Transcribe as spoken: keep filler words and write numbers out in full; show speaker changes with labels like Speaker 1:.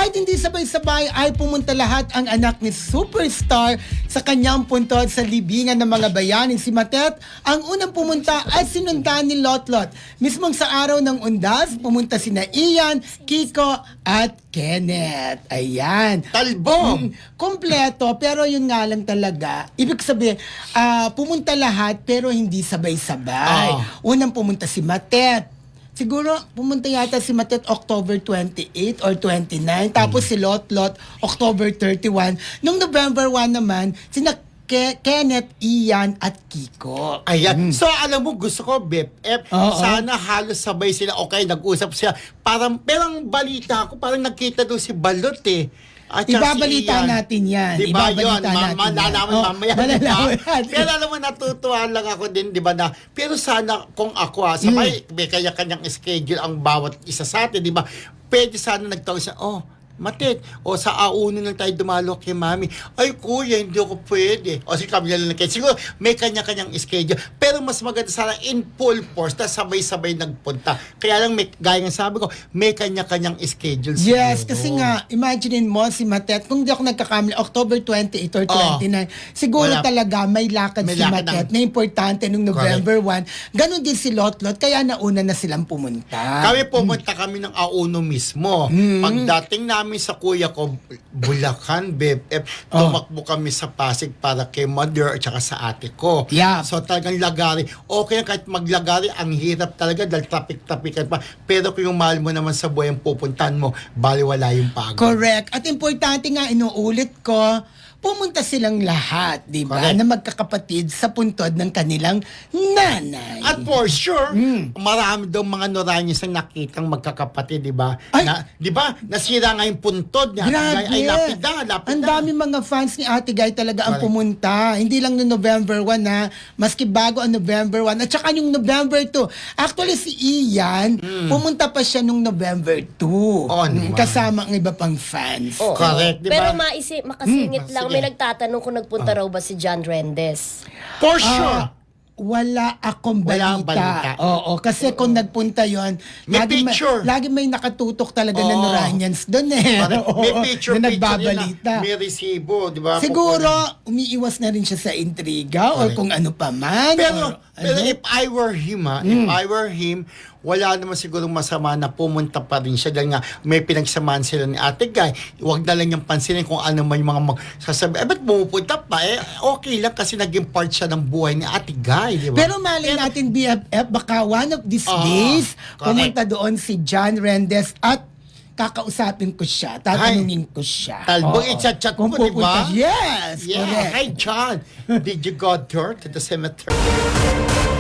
Speaker 1: Kahit hindi sabay-sabay ay pumunta lahat ang anak ni superstar sa kanyang puntod sa libingan ng mga bayaning. Si Matet ang unang pumunta at sinundan ni Lotlot. Mismong sa araw ng undas, pumunta sina Ian, Kiko at Kenneth. Ayan.
Speaker 2: Talbo!
Speaker 1: Mm, kompleto, pero yun nga lang talaga. Ibig sabihin, ah, pumunta lahat pero hindi sabay-sabay.
Speaker 2: Ah.
Speaker 1: Unang pumunta si Matet. Siguro pumunta yata si Matet October twenty-eight or twenty-nine. Tapos si Lotlot October thirty-one. Nung November one naman, sina Ke- Kenneth, Ian at Kiko.
Speaker 2: Ayan. So, alam mo, gusto ko, B F F,
Speaker 1: Oo.
Speaker 2: sana halos sabay sila. Okay, nag-usap sila. Parang, pero ang balita ko, parang nakita doon si Balot eh. At saka
Speaker 1: Ibabalita
Speaker 2: si Ian.
Speaker 1: natin yan.
Speaker 2: Diba
Speaker 1: Ibabalita
Speaker 2: yun? Ma-
Speaker 1: natin yan.
Speaker 2: malalaman
Speaker 1: Oh,
Speaker 2: mamaya.
Speaker 1: malalaman
Speaker 2: Diba?
Speaker 1: natin.
Speaker 2: Pero alam mo, natutuwa lang ako din, di ba na, pero sana kung ako, ah, sabay,
Speaker 1: Mm.
Speaker 2: may kanya-kanyang schedule ang bawat isa sa atin, di ba? Pwede sana nagtawag sa, oh, Matet, o sa auno lang tayo dumalo kay mami. Ay, kuya, hindi ako pwede. O si Camila lang kayo. Siguro, may kanya-kanyang schedule. Pero mas maganda sana in full force na sabay-sabay nagpunta. Kaya lang, may, gaya ng sabi ko, may kanya-kanyang schedule.
Speaker 1: Yes,
Speaker 2: siguro.
Speaker 1: kasi nga, imaginein mo si Matet, kung di ako nagkakamali, October twenty-eight or twenty-nine, siguro
Speaker 2: Wala.
Speaker 1: talaga may lakad
Speaker 2: May
Speaker 1: si
Speaker 2: lakad
Speaker 1: Matet
Speaker 2: ng-
Speaker 1: na importante nung November one. Ganon din si Lotlot, kaya nauna na silang pumunta.
Speaker 2: Kami pumunta kami ng auno mismo.
Speaker 1: Mm.
Speaker 2: Pagdating namin sa kuya ko, Bulacan, B F F,
Speaker 1: Oh.
Speaker 2: tumakbo kami sa Pasig para kay mother at saka sa ate ko.
Speaker 1: Yeah.
Speaker 2: So talagang lagari. Okay, kahit maglagari, ang hirap talaga dahil traffic-traffic pa. Pero kung yung mahal mo naman sa buhay ang pupuntahan mo, baliwala yung pagod.
Speaker 1: Correct. At importante nga, inuulit ko, pumunta silang lahat, di ba,
Speaker 2: Correct.
Speaker 1: na magkakapatid sa puntod ng kanilang nanay.
Speaker 2: At for sure,
Speaker 1: Mm.
Speaker 2: marami daw mga Noranyos ang nakitang magkakapatid, di ba?
Speaker 1: Ay!
Speaker 2: Na, di ba? Nasira nga yung puntod niya.
Speaker 1: Grabe.
Speaker 2: Ay, lapida, lapida.
Speaker 1: Ang dami mga fans ni Ate Guy talaga ang
Speaker 2: Correct.
Speaker 1: pumunta. Hindi lang no November one ha. Maski bago ang November one. At saka yung November two. Actually si Ian, pumunta pa siya nung November two.
Speaker 2: Hmm. Oh,
Speaker 1: Mm,
Speaker 2: naman.
Speaker 1: kasama ang iba pang fans.
Speaker 2: Oh. Correct, di ba?
Speaker 3: Pero maisi, makasingit
Speaker 2: Hmm,
Speaker 3: lang,
Speaker 2: sige.
Speaker 3: may nagtatanong kung nagpunta raw ba si John Rendes.
Speaker 2: For sure.
Speaker 1: Ah, wala akong
Speaker 2: Wala
Speaker 1: balita.
Speaker 2: akong balita.
Speaker 1: Oo, kasi kung nagpunta yon,
Speaker 2: May
Speaker 1: lagi
Speaker 2: picture.
Speaker 1: May, lagi may nakatutok talaga na
Speaker 2: Oo.
Speaker 1: Noranians doon eh.
Speaker 2: Correct. May
Speaker 1: Oo,
Speaker 2: picture,
Speaker 1: na
Speaker 2: picture
Speaker 1: nagbabalita.
Speaker 2: yan na may resibo, di ba?
Speaker 1: Siguro,
Speaker 2: Kukunin.
Speaker 1: umiiwas na rin siya sa intriga or
Speaker 2: Correct.
Speaker 1: kung ano pa man.
Speaker 2: Pero,
Speaker 1: or,
Speaker 2: pero
Speaker 1: ano.
Speaker 2: if I were him, ha, if I were him, wala naman siguro masama na pumunta pa rin siya dahil nga may pinagsamahan sila ni Ate Guy. Huwag na lang niyang pansinin kung ano man yung mga magsasabi. Eh, ba't pumupunta pa? Eh, okay lang kasi naging part siya ng buhay ni Ate Guy, di ba?
Speaker 1: Pero malay natin B F F, baka one of these
Speaker 2: Ah,
Speaker 1: days,
Speaker 2: correct.
Speaker 1: pumunta doon si John Rendes at kakausapin ko siya, tatanungin ko siya.
Speaker 2: Talbog,
Speaker 1: Oo.
Speaker 2: i-chat-chat
Speaker 1: Kung
Speaker 2: mo, di ba?
Speaker 1: pupunta- Yes,
Speaker 2: Yeah.
Speaker 1: correct.
Speaker 2: Hi, John. Did you go there to the cemetery?